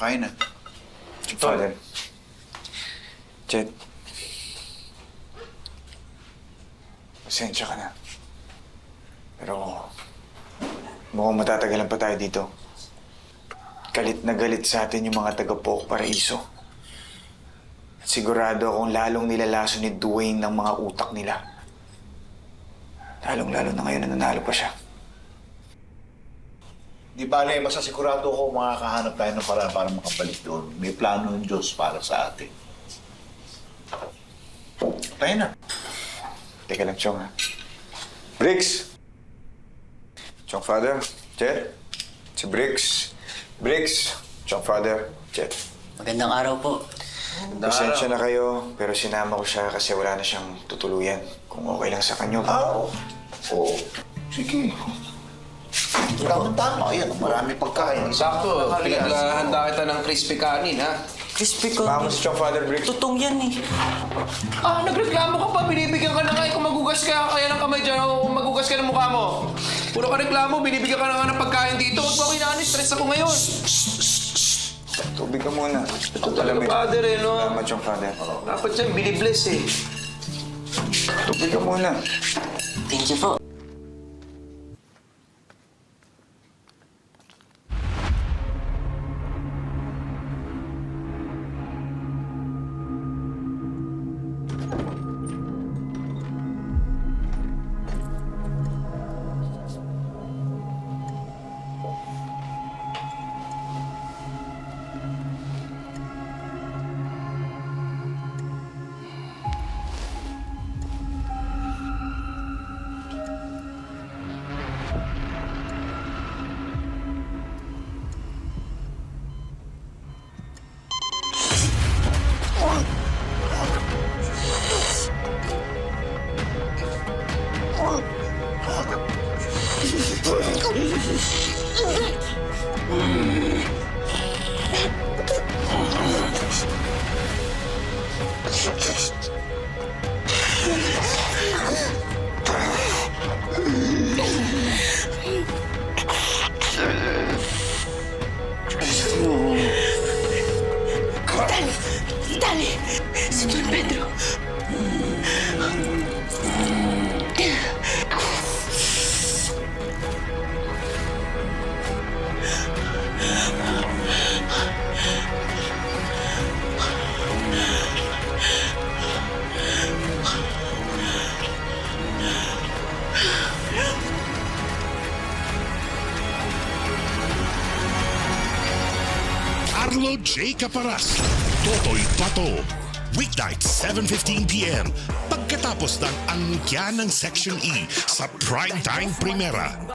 kain na. Father. Chet. Pasensya ka na. Pero mukhang matatagalan pa tayo dito. Galit na galit sa atin yung mga taga-Pook Paraiso. At sigurado akong lalong nilalaso ni Dwayne ng mga utak nila. Lalong-lalo na ngayon na nanalo pa siya. Di bale, masasigurado ko makakahanap tayo ng paraan para makabalik doon. May plano ng Diyos para sa atin. Tayo na. Teka lang, Chong, ha? Briggs! Chong Father, Chet. Si Briggs. Briggs, Chong Father, Chet. Magandang araw po. Pasensya na kayo, pero sinama ko siya kasi wala na siyang tutuluyan. Kung okay lang sa kanyo. Oo. Sige. Tama. Ayan, marami pagkain. Sakto, pinaghahanda kita ng crispy kanin, ha? Crispy ko. Vamos, Chong Father, Briggs. Tutong yan eh. Nagreklamo ka pa, binibigyan ka na nga kung magugas ka, kaya ng kamay dyan, o magugas ka ng mukha mo. Puro ka reklamo, binibigyan ka na nga ng pagkain dito. Huwag mo kinanin, stress ako ngayon. Tubig ka muna. Ito talaga, Father, eh, no? Salamat, Chong Father. Dapat dyan, binibless, eh. Tubig ka muna. Thank you po. Dali! Si Don Pedro! Carlo J. Caparas, Totoy Pato. Weeknight, 7:15 p.m. Pagkatapos ng angkya ng Section E sa Primetime Primera.